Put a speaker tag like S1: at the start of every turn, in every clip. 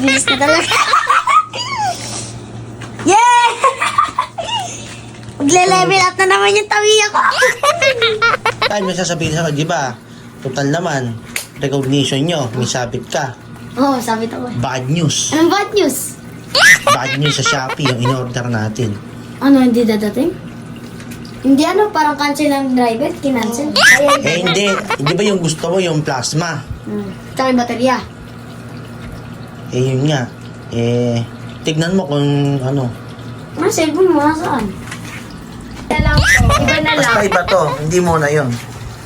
S1: bibilis na talaga. Yeah! Magle-level up na naman yung tawi ako.
S2: Ay, may sasabihin sa di ba? Total naman, recognition nyo, may sabit ka.
S1: Oo, sabi ko.
S2: Bad news.
S1: Anong bad news?
S2: Bad news sa Shopee, yung in-order natin.
S1: Ano, hindi dadating? Hindi parang cancel ang driver, kinancel.
S2: Hindi. Hindi ba yung gusto mo, yung plasma?
S1: Tsaka yung baterya.
S2: Yun nga. Tignan mo kung ano.
S1: Ano, cellphone mo, nasaan? Iba na lang.
S2: Basta iba to, hindi mo na yun.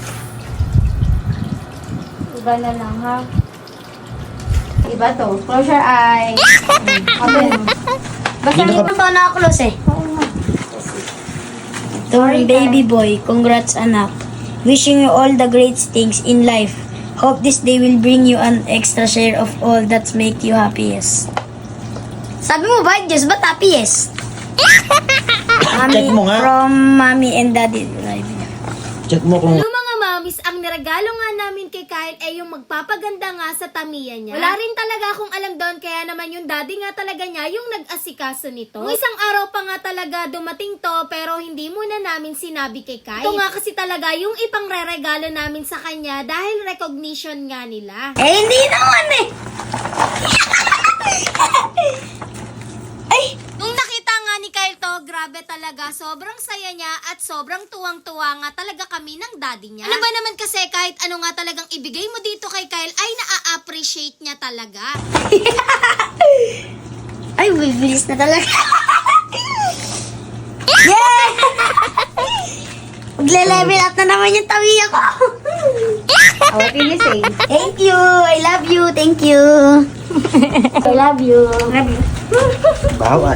S3: Iba na lang, ha? Iba to. Close your eyes. Open. Basta
S2: Hindi
S1: hindi
S2: naka-
S1: pa nakaklose eh. Torn baby boy, congrats anak. Wishing you all the great things in life. Hope this day will bring you an extra share of all that make you happiest. Sabi mo ba, Diyos, ba't happiest?
S2: Check mo nga.
S1: From mommy and daddy.
S2: Check mo kung...
S3: Yung mga mamis, ang niregalo nga namin kay Kyle ay yung magpapaganda nga sa tamiya niya. Wala rin talaga akong alam doon, kaya naman yung daddy nga talaga niya yung nag-asikaso nito. Nung isang araw pa nga talaga dumating to, pero hindi muna namin sinabi kay Kyle. Ito nga kasi talaga yung ipangre-regalo namin sa kanya dahil recognition nga nila.
S1: Eh, hindi naman eh. Ay,
S3: Nung nakita nga ni Kyle to, grabe talaga, sobrang saya niya at sobrang tuwang-tuwa nga talaga kami ng daddy niya. Ano ba naman kasi kahit ano nga talagang ibigay mo dito kay Kyle ay na-appreciate niya talaga.
S1: ay, bibilis na talaga. Yeah! Magle-level up na naman yung tawi ako.
S3: What can you say?
S1: Thank you. I love you. Thank you. I love you.
S2: Bawa.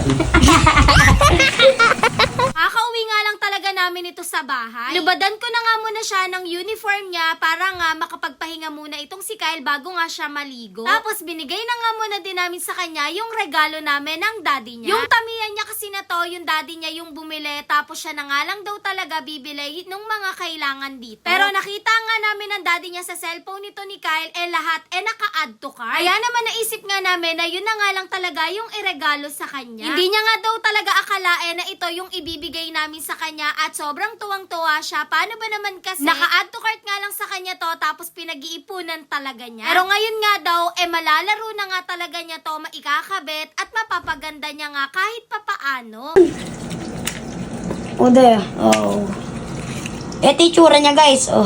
S3: Kakauwi nga lang talaga namin ito sa bahay. Lubadan ko na nga muna siya ng uniform niya para nga makapagpahinga muna itong si Kyle bago nga siya maligo. Tapos binigay na nga muna din namin sa kanya yung regalo namin ng daddy niya. Yung tamiya niya kasi na to, yung daddy niya yung bumili, tapos siya na nga lang daw talaga bibili ng mga kailangan dito. Pero nakita nga namin ng daddy niya sa cellphone nito ni Kyle, lahat naka-add to cart. Kaya naman naisip nga namin na yun na nga lang talaga yung iregalo sa kanya. Hindi niya nga daw talaga akalain na ito yung ibibigay namin sa kanya at sobrang tuwang-tuwa siya. Paano ba naman kasi naka-add to cart nga lang sa kanya to tapos pinag-iipunan talaga niya. Pero ngayon nga daw, malalaro na nga talaga niya to, maikakabit at mapapaganda niya nga kahit papaano.
S1: Oh, there. Oh. Ito yung tsura niya, guys. Oh.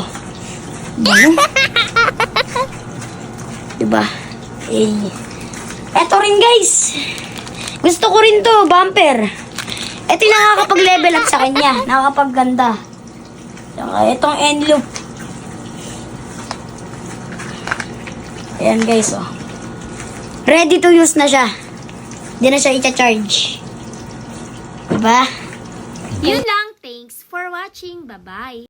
S1: Diba? Eh. Ito rin, guys. Gusto ko rin to, bumper. Ito yung nakakapag-level up sa kanya. Nakakapag-ganda. Saka itong end loop. Ayan, guys, oh. Ready to use na siya. Hindi na siya i-charge. Diba?
S3: Yun lang. Thanks for watching. Bye-bye.